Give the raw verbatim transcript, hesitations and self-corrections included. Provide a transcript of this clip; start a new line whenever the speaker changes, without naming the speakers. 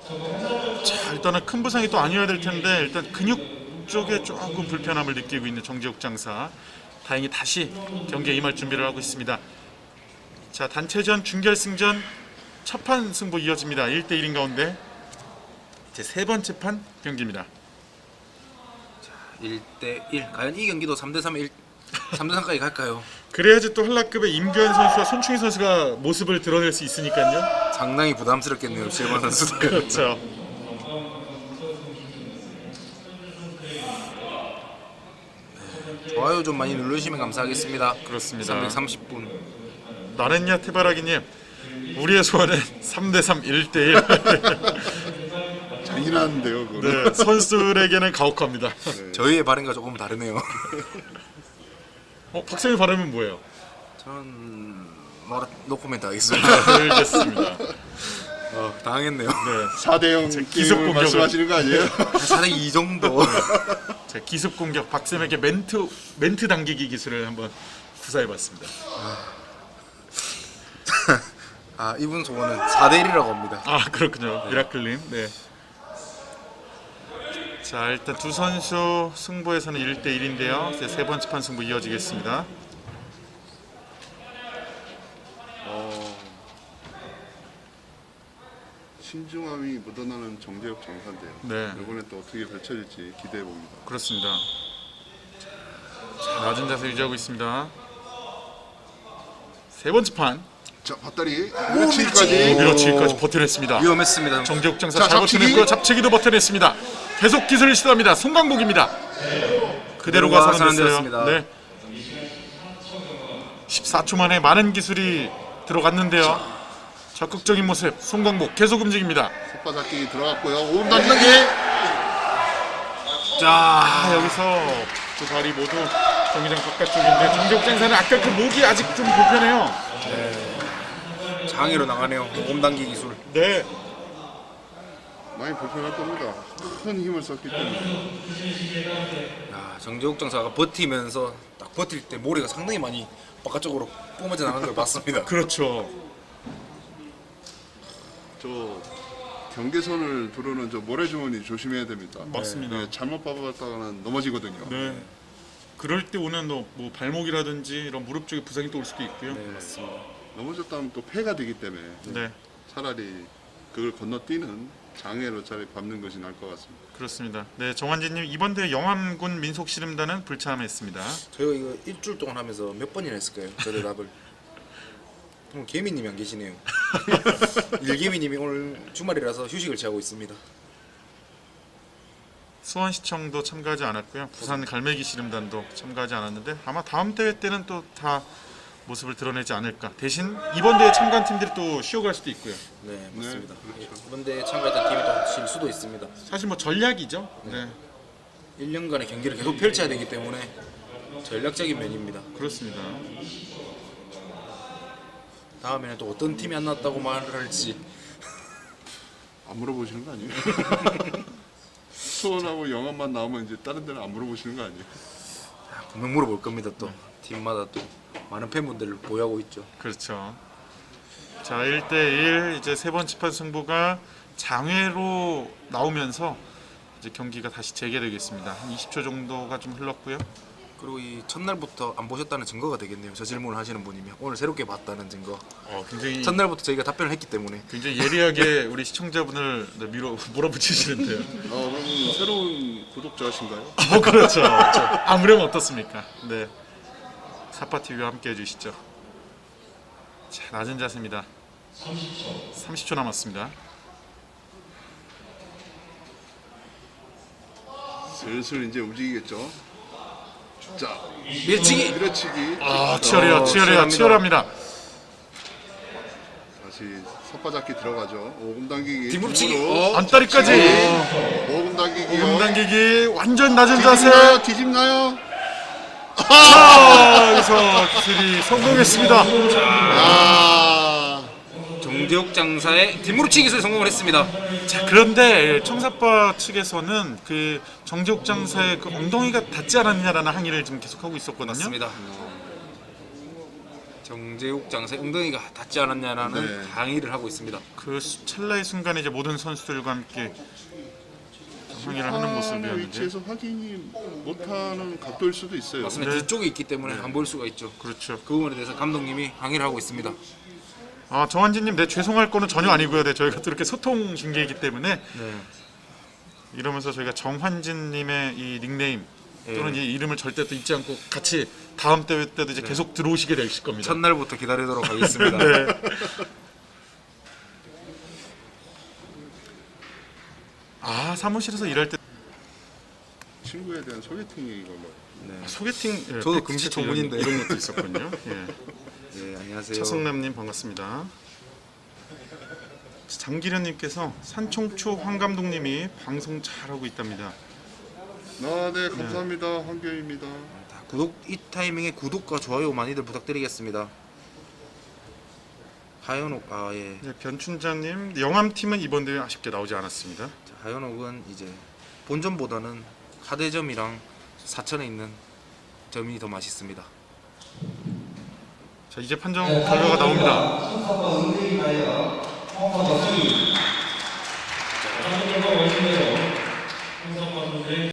자, 일단은 큰 부상이 또 아니어야 될 텐데 일단 근육 쪽에 조금 불편함을 느끼고 있는 정재욱 장사. 다행히 다시 경기에 임할 준비를 하고 있습니다. 자, 단체전 준결승전 첫 판 승부 이어집니다. 일 대 일인 가운데 제 세 번째 판 경기입니다.
일 대 일. 과연 이 경기도 삼 대 삼, 일, 삼 대 삼까지 갈까요?
그래야지 또 한라급의 임규현 선수와 손충희 선수가 모습을 드러낼 수 있으니까요.
상당히 부담스럽겠네요, 실버 선수들.
그렇죠.
좋아요 좀 많이 눌러주시면 감사하겠습니다.
그렇습니다.
삼백삼십 분.
나랬냐 테바라기님, 우리의 소원은 삼 대 삼, 일 대 일.
잔인한데요, 그거는.
네, 선수들에게는 가혹합니다.
저희의 발언과 조금 다르네요.
어, 박성희 발음은 뭐예요?
저는 뭐 노코멘트 하겠습니다.
알겠습니다.
어, 당했네요.
네,
사 대 영
기습
게임을
공격을.
말씀하시는 거 아니에요?
사 대 이 정도.
자, 기습 공격 박쌤에게 멘트 멘트 당기기 기술을 한번 구사해봤습니다.
아, 이분 소원은 사 대 일이라고 합니다.
아, 그렇군요. 미라클님. 네. 자, 일단 두 선수 승부에서는 일 대 일인데요. 이제 세 번째 판 승부 이어지겠습니다.
어, 신중함이 묻어나는 정재욱 장사인데요.
네.
이번에 또 어떻게 펼쳐질지 기대해 봅니다.
그렇습니다. 자, 낮은 자세 유지하고 있습니다. 세 번째 판
자, 밧다리 밀어치기까지.
밀어치기까지 버텨냈습니다.
위험했습니다.
정재욱 장사
자,
잘
잡치기.
버텨냈고요. 잡치기도 버텨냈습니다. 계속 기술을 시도합니다. 송강복입니다. 그대로가
그대로가
살아냈어요.
살아냈습니다.
네. 십사 초 만에 많은 기술이 들어갔는데요. 적극적인 모습 송강복 계속 움직입니다.
속바잡기 들어갔고요. 오름 당기기.
자, 아, 여기서 두 발이 모두 경기장 바깥쪽인데 정재욱 장사는 아까 그 목이 아직 좀 불편해요.
장애로 나가네요. 몸 당기 기술.
네.
많이 불편할 겁니다. 큰 힘을 썼기 때문에.
야, 정재욱 장사가 버티면서 딱 버틸 때 모래가 상당히 많이 바깥쪽으로 뿜어져 나가는 걸 봤습니다.
그렇죠.
저 경계선을 두르는 저 모래주머니 조심해야 됩니다.
맞습니다.
네, 잘못 밟았다가는 넘어지거든요.
네. 그럴 때 오는 뭐, 뭐 발목이라든지 이런 무릎 쪽에 부상이 또 올 수도 있고요.
네, 맞습니다.
넘어졌다면 또 폐가 되기 때문에
네.
차라리 그걸 건너뛰는 장애로 차라리 밟는 것이 나을 것 같습니다.
그렇습니다. 네, 정환진님 이번 대회 영암군 민속씨름단은 불참했습니다.
저희가 이거 일주일 동안 하면서 몇 번이나 했을까요? 저 대답을. 오늘 개미님이 안 계시네요. 일개미님이 오늘 주말이라서 휴식을 취하고 있습니다.
수원시청도 참가하지 않았고요. 부산 갈매기 씨름단도 참가하지 않았는데 아마 다음 대회 때는 또 다 모습을 드러내지 않을까. 대신 이번 대회 참가한 팀들이 또 쉬어갈 수도 있고요.
네, 맞습니다.
그렇죠.
이번에 참가했던 팀이 또 질 수도 있습니다.
사실 뭐 전략이죠. 네,
일 년간의 경기를 계속 펼쳐야 되기 때문에 전략적인 면입니다.
그렇습니다.
다음에는 또 어떤 팀이 안 났다고 말을 할지.
안 물어보시는 거 아니에요? 수원하고 영암만 나오면 이제 다른 데는 안 물어보시는 거 아니에요?
분명 물어볼 겁니다. 또 팀마다 또 많은 팬분들을 보유하고 있죠.
그렇죠. 자, 일 대 일 이제 세 번째 판 승부가 장외로 나오면서 이제 경기가 다시 재개되겠습니다. 한 이십 초 정도가 좀 흘렀고요.
그리고 이 첫날부터 안 보셨다는 증거가 되겠네요. 저 질문을 하시는 분이면 오늘 새롭게 봤다는 증거.
어, 굉장히
첫날부터 저희가 답변을 했기 때문에.
굉장히 예리하게 우리 시청자분을 네, 밀어 몰아붙이시는데요.
어, 그럼 새로운 구독자신가요?
어, 그렇죠. 아무렴 어떻습니까? 네. 사파티비와 함께 해주시죠. 자, 낮은 자세입니다. 삼십 초 남았습니다.
슬슬 이제 움직이겠죠. 자,
밀치기.
밀어치기.
아, 치열해요,
어,
치열해요,
치열합니다.
치열합니다.
다시 섭바잡기 들어가죠. 오금 당기기.
뒤무치기.
등으로.
안다리까지.
오금 당기기요.
오금 당기기 완전 낮은 자세.
뒤집나요? 뒤집나요?
아, 여기서 기술이 성공했습니다.
아,
정재욱 장사의 뒷무릎치기 기술 성공을 했습니다.
자, 그런데 청사파 측에서는 그 정재욱 장사의 그 엉덩이가 닿지 않았냐라는 항의를 지금 계속하고 있었거든요.
맞습니다. 정재욱 장사 엉덩이가 닿지 않았냐라는
네.
항의를 하고 있습니다.
그 수- 찰나의 순간에 이제 모든 선수들과 함께 항의를 하는
심판의
모습이었는데
위치에서 확인이 못하는 각도일 수도 있어요.
맞습니다.
네.
뒤쪽에 있기 때문에 안 볼 수가 있죠.
그렇죠.
그 부분에 대해서 감독님이 항의를 하고 있습니다.
아 정한진님, 네 죄송할 거는 전혀 아니고요. 네 저희가 또 이렇게 소통 중계이기 때문에
네.
이러면서 저희가 정환진님의 이 닉네임 또는
예.
이 이름을 절대 또 잊지 않고 같이 다음 대회 때도 이제 계속 들어오시게 되실 겁니다.
첫날부터 기다리도록 하겠습니다.
네. 아 사무실에서 일할 때
친구에 대한 소개팅 이거 뭐.
네.
소개팅 예,
저도
팩트
금시
체크
전문인데.
이런, 이런 것도 있었군요. 예.
네, 안녕하세요.
차성남님 반갑습니다. 장기련님께서 산총초 황 감독님이 방송 잘하고 있답니다.
아, 네, 감사합니다. 황교입니다.
다 구독 이 타이밍에 구독과 좋아요 많이들 부탁드리겠습니다. 하현옥 아 예.
네, 변춘자님 영암팀은 이번 대회 아쉽게 나오지 않았습니다.
자, 하현옥은 이제 본점보다는 하대점이랑 사천에 있는 점이 더 맛있습니다.
자 이제 판정 결과가 나옵니다.
순서가 응대인하여 홍성덕이